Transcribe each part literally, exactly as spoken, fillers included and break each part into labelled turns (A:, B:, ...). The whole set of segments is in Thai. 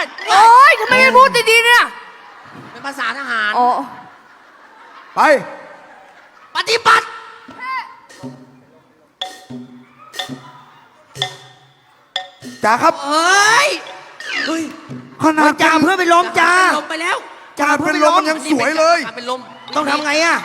A: ด
B: โอ๊ยทำไมไม่พูดดีๆเนี่ย
A: เป็นภาษาทหาร
B: อ๋อ
C: ไป
A: ปฏิบัติ
C: จ่าครับ
A: เฮ้ย
C: เฮ้ยขนาด
D: จ่าเพื่อนไปล้มจ่า
A: ลมไปแล้ว
C: จ่าเป็นลมมันยังสวยเลย
A: เป็นลม
D: ต้องทำไงอ่ะ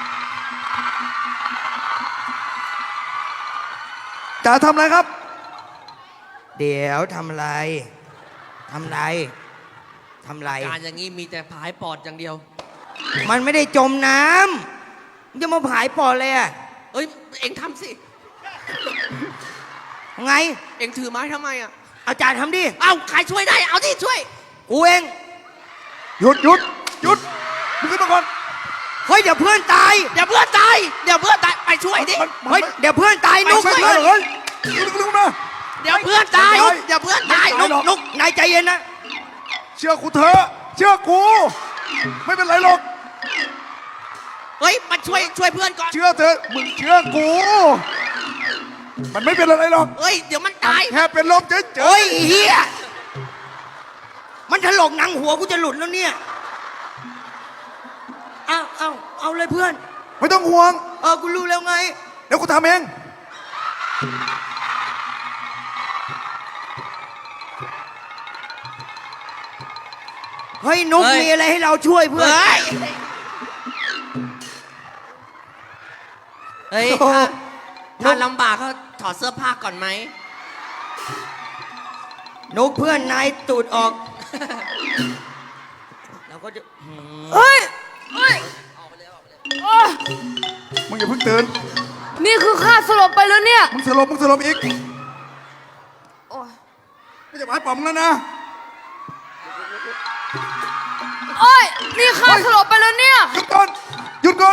C: จ่าทำอะไรครับ
D: เดี๋ยวทำอะไรทำอะไรทำอะไร
A: การอย่างนี้มีแต่ผายปอดอย่างเดียว
D: มันไม่ได้จมน้ำมันจะมาผายปอดเลยอ่ะ
A: เอ้ยเอ็งทำสิ
D: ไง
A: เอ็งถือไม้ทำไมอ่ะ
D: เอาจ่าทำดิ
A: เอ้าใครช่วยได้เอาที่ช่วย
D: กูเอง
C: หยุดหยุดหยุดมึงขึ้นมาก่อน
D: เฮ้ยเดี๋ยวเพื่อนตาย
A: เดี๋ยวเพื่อนตายเดี๋ยวเพื่อนตายไปช่วยดิ
C: มันมัน
D: เฮ้ยเดี๋ยวเพื่อนตายนุก
C: ไม่
D: เพื่
C: ใช่
D: อน
C: เฮ้ยลุกลุกมา
A: เดี๋ยวเพื่อนตาย
C: ไม่ได้
A: เดี๋ยวเพื่อนตาย
C: ไม่
A: นุก
C: ได้
D: นุกนายใจเย็นนะ
C: เชื่อกูเถอะเชื่อกู ไม่เป็นไรหรอก
A: เฮ้ยมาช่วยช่วยเพื่อนก่อน
C: เชื่อเถอะมึงเชื่อกู มันไม่เป็นอะไรหรอก
A: เฮ้ยเดี๋ยวมันตาย
C: แค่เป็นลมเฉยๆ
D: โอ้ยเฮียมันถลกหนังหัวกูจะหลุดแล้วเนี่ยเอาเอาเอาเลยเพื่อน
C: ไม่ต้องห่วง
D: เออกูรู้แล้วไง
C: เดี๋ยวกูทำเอง
D: เฮ้ยนุกมีอะไรให้เราช่วยเพื่อน
A: เฮ้ยเฮ้ย
D: โอ้
A: ถ้าถ้าลำบากก็ถอดเสื้อผ้าก่อนไหม
D: นุกเพื่อนนายตูดออก เราก็จะ
B: เฮ้ยเฮ้ยโอ๊ย
C: มึงอย่าเพิ่งตื่น
B: นี่คือข้าสลบไปแล้วเนี่ย
C: มึงสลบมึงสลบอีก
B: โอ๊ย
C: ไม่จะหมายป๋อมแล้วนะ
B: โอ๊ยนี่ข้าสลบไปแล้วเนี่ย
C: หยุดก่อนหยุดก่อน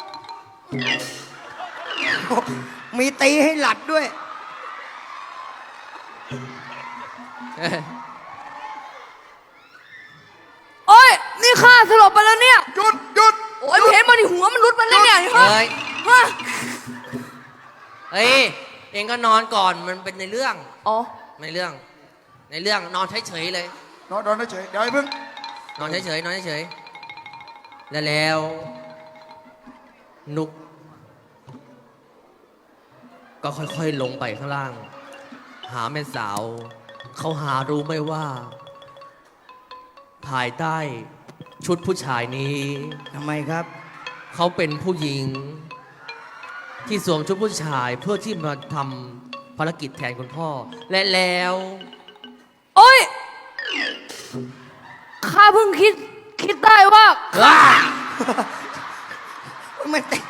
D: มีตีให้หลัดด้วย
B: โอ๊ยนี่ข้าสลบไปแล้วเนี่ย
C: หยุดหยุด
B: โอ๊ยเห็นมันหัวมันรุดมาแล้วเนี่ยฮะ
A: เฮ้ย
B: ฮะ
A: เฮ้ยเองก็นอนก่อนมันเป็นในเรื่อง
B: อ๋อ
A: ในเรื่อง ในเรื่องนอนเฉยๆเลย
C: นอนนอนเฉยๆเดี๋ยวไอ้เพิ่ง
A: นอนเฉยๆนอนเฉยๆแล้วแล้ว นุก ก็ค่อยๆลงไปข้างล่าง หาแม่สาว เขาหารู้ไหมว่า ภายใต้ชุดผู้ชายนี้
D: ทำไมครับ
A: เขาเป็นผู้หญิง ที่สวมชุดผู้ชายเพื่อที่มาทำภารกิจแทนคุณพ่อ และแล้ว
B: โอ๊ยข้าเพิ่งคิดคิดได้ว่า
A: ว้า
D: ไม่ตี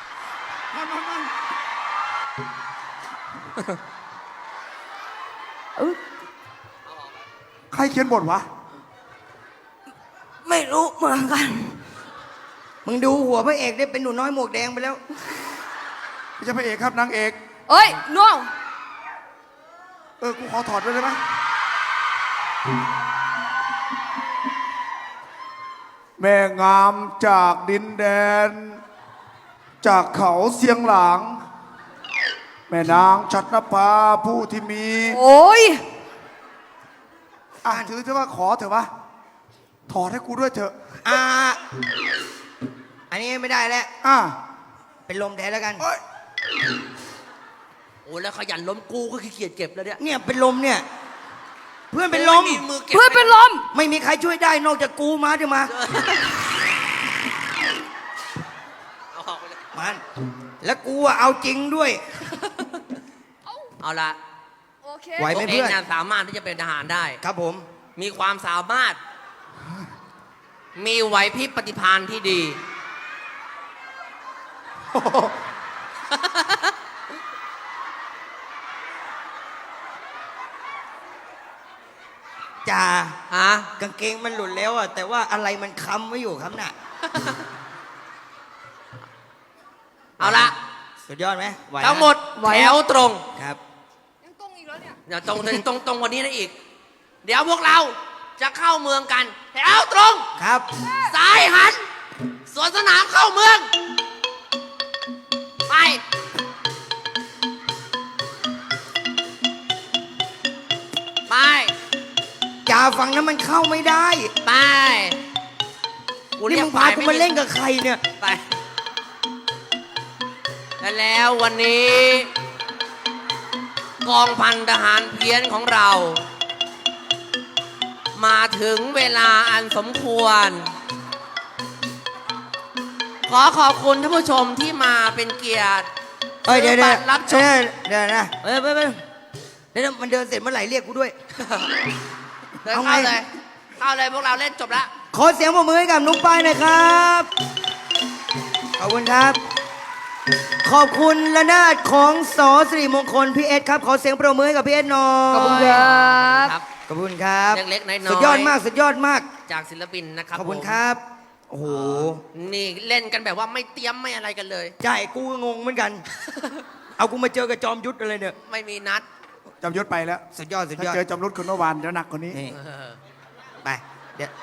B: เออ
C: ใครเขียนบทวะ
D: ไม่รู้เหมือนกัน มึงดูหัวพระเอกได้เป็นหนูน้อยหมวกแดงไปแล้ว
C: ไม่ใช่พระเอกครับนางเอก
B: เอ้ยน้อง
C: เออ กูขอถอดด้วยได้ไหมแม่งามจากดินแดน จากเขาเสียงหลาง แม่นางชัดนภาผู้ที่มี
B: โอ๊ย
C: อ่ะถือเถอะว่าขอเถอะวะถอดให้กูด้วยเถอะ
D: อ่า อันนี้ไม่ได้แล้ว
C: อ่ะ
D: เป็นลมแทนแล้วกัน
C: เอ้ย
A: โอ้แล้วขยันล้มกูก็ขี้เกียจเก็บแล้วเนี่ย
D: เนี่ยเป็นลมเนี่ย เพื่อนเป็นลม
A: ไมือเก็บ
B: เพื่อนเป็นลม
D: ไม่มีใครช่วยได้นอกจากกูมาเดี๋ยวมา
A: เอาออกไปเลย
D: มัน แล้วกูอะเอาจริงด้วย
A: เอาละ
B: โอเค
D: ไหวไหม
A: ตัวเองเนี่ยสามารถที่จะเป็นทหารได้
D: ครับผม
A: มีความสามารถ มีไหวพริบปฏิภาณที่ดี
D: จ่า
A: ฮะ
D: กางเกงมันหลุดแล้วอะแต่ว่าอะไรมันค้ำไว้อยู่ครับน่ะ
A: เอาละ
D: สุดยอดไหมไหวนะ
A: ทั้งหมดแถวตรง
D: ครับ
B: ยังตรงอีกแล้วเนี่ย
A: อย่าตรงตรงตรงกวันนี้นะอีก เดี๋ยวพวกเราจะเข้าเมืองกัน แถวตรง
D: ครับ
A: ซ้ายหัน สวนสนามเข้าเมือง ไป ไป
D: จ่าฝั่งนั้นมันเข้าไม่ได้
B: ไป
D: นี่มึงพากูมาเล่นกับใครเนี่ย
B: ไปและแล้ววันนี้ กองพันทหารเพี้ยนของเรา มาถึงเวลาอันสมควร ขอขอบคุณท่านผู้ชมที่มาเป็นเกียรติ
D: เอ้ยเดี๋ยว
B: ซื้
D: เดี๋
B: อ
D: ยว
B: บัตรรับชม
D: เดี๋ยวนะเอ้ยไปไปเดี๋ยวมันเดินเสร็จเมื่อไหร่เรียกกูด้วย
B: เดิน
D: เอาไง
B: เข้าเลยเข้าเลยพวกเราเล่นจบแล้ว
D: ขอเสียงปรบมือให้กับนุ๊กป้ายหน่อยครับ ขอบคุณครับ ขอบคุณระนาดของสอสิริมงคลพี่เอสครับ ขอเสียงปรบมือให้กับพี่เอสหน่อย
A: ขอบคุณครับ
B: ครับ
D: ขอบคุณครับ
B: เล็กๆน้อยๆ
D: สุดยอดมากสุดยอดมาก
B: จากศิลปินนะครับ
D: ขอบคุณ
B: ผม
D: ครับ โอ้โห
B: นี่เล่นกันแบบว่าไม่เตรียมไม่อะไรกันเลย
D: ใช่กูก็งงเหมือนกัน เอากูมาเจอกับจอมยุทธอะไรเนี่ย
B: ไม่มีนัด
C: จำยศไปแล้ว
D: สุดยอดสุด
C: ถ้าย
D: อด
C: เจอจำรุดคนเมื่อวานเดี๋ยวหนักกว่านี้
D: นี่
B: เออ
D: ไปเดี๋ยว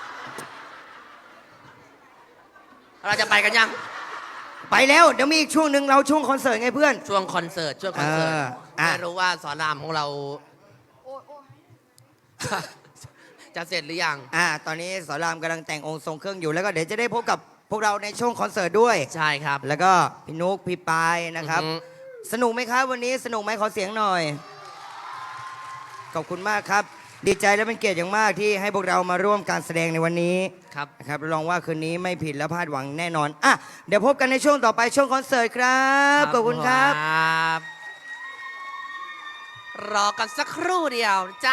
B: เราจะไปกันยัง
D: ไปแล้วเดี๋ยวมีอีกช่วงหนึ่งเราช่วงคอนเสิร์ตไงเพื่อน
B: ช่วงคอนเสิร์ตช่วงคอนเสิร์ต
D: เอออ่ะ
B: ไม่รู้ว่าสอนรามของเรา จะเสร็จหรือยัง
D: อ่า ตอนนี้สอนรามกำลังแต่งองค์ทรงเครื่องอยู่แล้วก็เดี๋ยวจะได้พบกับพวกเราในช่วงคอนเสิร์ตด้วย
B: ใช่ครับ
D: แล้วก็พี่นุ๊กพี่ปายนะครับ
B: อือฮึ
D: สนุกไหมครับวันนี้สนุกไหมขอเสียงหน่อย ขอบคุณมากครับ ดีใจและเป็นเกียรติอย่างมากที่ให้พวกเรามาร่วมการแสดงในวันนี้
B: ครับ
D: นะครับรับรองว่าคืนนี้ไม่ผิดและพลาดหวังแน่นอนอ่ะเดี๋ยวพบกันในช่วงต่อไปช่วงคอนเสิร์ตครับขอบคุณครับ
B: ครับ รอกันสักครู่เดียวจ้า